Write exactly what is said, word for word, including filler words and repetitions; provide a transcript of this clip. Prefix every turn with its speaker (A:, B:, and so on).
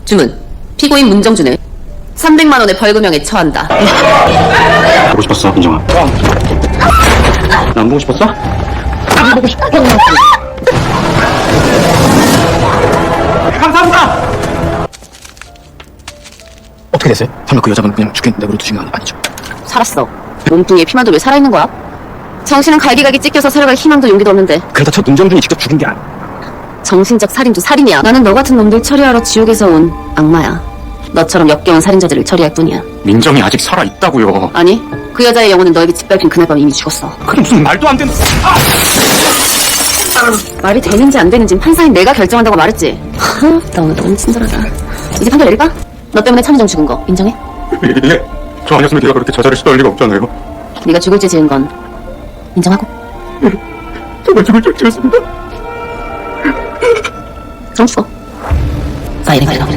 A: 주문. 피고인 문정준을 삼백만 원의 벌금형에 처한다.
B: 보고 싶었어, 민정아. 나 안 보고 싶었어? 안 보고 싶어. 감사합니다. 어떻게 됐어요? 설마 그 여자분 그냥 죽겠는데 내버려 두신 거 아니죠?
A: 살았어. 몸뚱이에 피만도 왜 살아있는 거야? 정신은 갈기갈기 찢겨서 살아갈 희망도 용기도 없는데
B: 그러다 저 문정준이 직접 죽인 게 아니야.
A: 정신적 살인도 살인이야. 나는 너 같은 놈들 처리하러 지옥에서 온 악마야. 너처럼 역겨운 살인자들을 처리할 뿐이야.
B: 민정이 아직 살아있다고요.
A: 아니, 그 여자의 영혼은 너에게 짓밟힌 그날 밤 이미 죽었어.
B: 그게 무슨 말도 안 되는... 아!
A: 말이 되는지 안 되는지 판사인 내가 결정한다고 말했지. 하, 나 오늘 너무 친절하다. 이제 판결 내릴까? 너 때문에 차미정 죽은 거 인정해?
B: 예, 저 아니었으면 네가 그렇게 자살을 시도할 리가 없잖아요.
A: 네가 죽을 죄 지은 건 인정하고?
B: 정말 죽을 줄 알았습니다.
A: 그럼 죽어. 파이팅 파이팅.